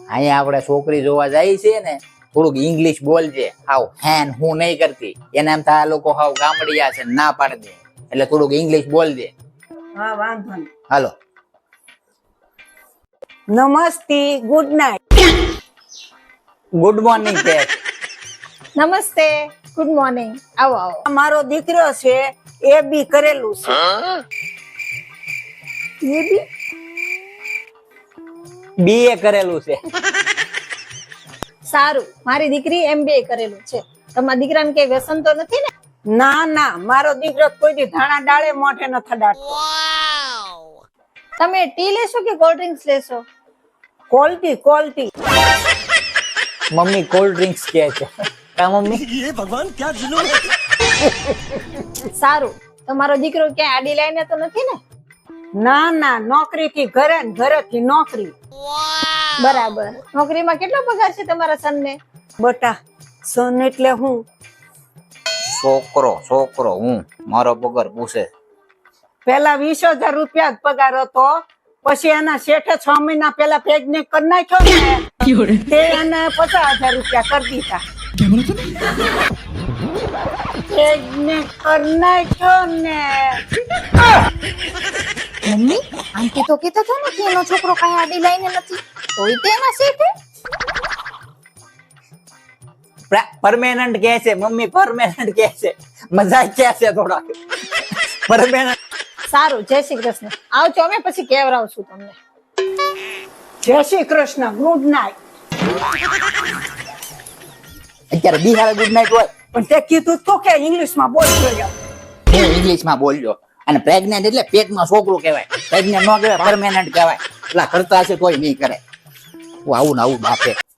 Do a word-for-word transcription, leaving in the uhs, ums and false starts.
અહીંયા આપણે છોકરી જોવા જાય છે ને થોડુંક ઇંગ્લિશ બોલજે. હાવ હેન હું નહીં કરતી. એને એમ થાય આ લોકો હાવ ગામડિયા છે, ના પાડી દે. એટલે થોડુંક ઇંગ્લિશ બોલજે. હા વાંધો નહીં. હાલો. નમસ્તે, ગુડ નાઇટ. ગુડ મોર્નિંગ કે નમસ્તે, ગુડ મોર્નિંગ. આવો આવો. મારો દીકરો છે એ બી કરેલું છે. એ બી બીએ કરેલું છે. સારું. મારી દીકરી એમબીએ કરેલું છે. તમારા દીકરાને કઈ વ્યસન તો નથી ને? ના ના, મારો દીકરો કોઈ દી ધાણા ડાળે મોઢે ન થડાડતો. તમે ટી લેશો કે કોલ્ડ ડ્રિંક્સ લેશો? Quality quality. Mummy cold drinks કે છે. કા મમ્મી? સારું. તમારો દીકરો ક્યાંય આડી લાઈને તો નથી ને? ના ના, નોકરી થી ઘરે ને ઘરે થી નોકરી. બરાબર. નોકરીમાં કેટલો પગાર છે તમારા સનને? બટા, સન એટલે હું છોકરો છોકરો હું મારો પગાર પૂછે. પેલા વીસ હજાર રૂપિયા જ પગાર હતો, પછી એના શેઠે છ મહિના પેલા પ્રેગ્નેન્ટ કરી નાખ્યો ને તે એને પચાસ હજાર રૂપિયા કરી દીધા. પ્રેગ્નેન્ટ કરી નાખ્યો ને. મમ્મી, આંટી તો કહેતા હતા ને કે એનો છોકરો કઈ આડી લાઈને નથી, તોય તે એના શેઠે. પરમેનન્ટ કે છે મમ્મી, પરમેનન્ટ કે છે. મજાક કે છે થોડા. પરમેનન્ટ. સારું. જય શ્રી કૃષ્ણ. આવજો, અમે પછી કેવરાવશું તમને. જય શ્રી કૃષ્ણ, ગુડ નાઇટ. અત્યારે બિહાર ગુડ નાઇટ હોય પણ તે કીધું તો કે ઇંગ્લિશ માં બોલજો. હું ઇંગ્લિશ માં બોલજો. અને પ્રેગ્નેન્ટ એટલે પેટમાં છોકરું કહેવાય. પ્રેગ્નેન્ટ ન કહેવાય, પરમેનન્ટ કહેવાય. એટલા કરતા હશે કોઈ નહીં કરે. હું આવું ને આવું બાપે.